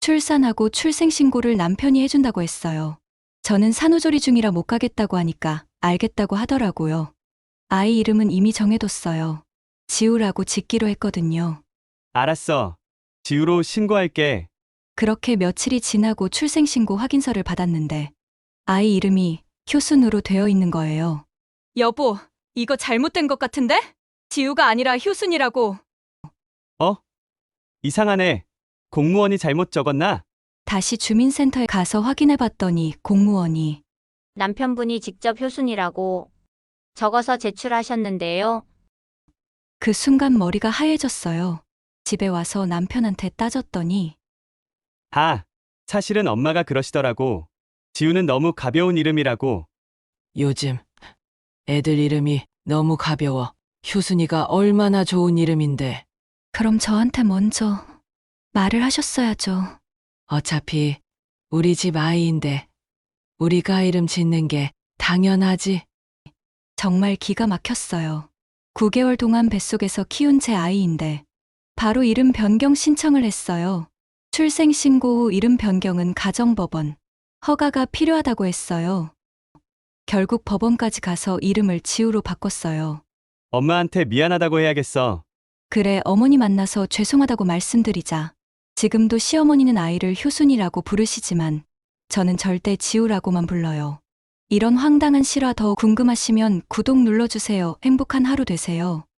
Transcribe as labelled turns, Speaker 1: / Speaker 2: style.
Speaker 1: 출산하고 출생신고를 남편이 해준다고 했어요. 저는 산후조리 중이라 못 가겠다고 하니까 알겠다고 하더라고요. 아이 이름은 이미 정해뒀어요. 지우라고 짓기로 했거든요.
Speaker 2: 알았어. 지우로 신고할게.
Speaker 1: 그렇게 며칠이 지나고 출생신고 확인서를 받았는데 아이 이름이 효순으로 되어 있는 거예요. 여보, 이거 잘못된 것 같은데? 지우가 아니라 효순이라고.
Speaker 2: 어? 이상하네. 공무원이 잘못 적었나?
Speaker 1: 다시 주민센터에 가서 확인해 봤더니 공무원이
Speaker 3: 남편분이 직접 효순이라고 적어서 제출하셨는데요.
Speaker 1: 그 순간 머리가 하얘졌어요. 집에 와서 남편한테 따졌더니
Speaker 2: 아, 사실은 엄마가 그러시더라고. 지우는 너무 가벼운 이름이라고.
Speaker 4: 요즘 애들 이름이 너무 가벼워. 효순이가 얼마나 좋은 이름인데.
Speaker 1: 그럼 저한테 먼저 말을 하셨어야죠.
Speaker 4: 어차피 우리 집 아이인데 우리가 이름 짓는 게 당연하지.
Speaker 1: 정말 기가 막혔어요. 9개월 동안 뱃속에서 키운 제 아이인데 바로 이름 변경 신청을 했어요. 출생신고 후 이름 변경은 가정법원 허가가 필요하다고 했어요. 결국 법원까지 가서 이름을 지우로 바꿨어요.
Speaker 2: 엄마한테 미안하다고 해야겠어.
Speaker 1: 그래, 어머니 만나서 죄송하다고 말씀드리자. 지금도 시어머니는 아이를 효순이라고 부르시지만 저는 절대 지우라고만 불러요. 이런 황당한 실화 더 궁금하시면 구독 눌러주세요. 행복한 하루 되세요.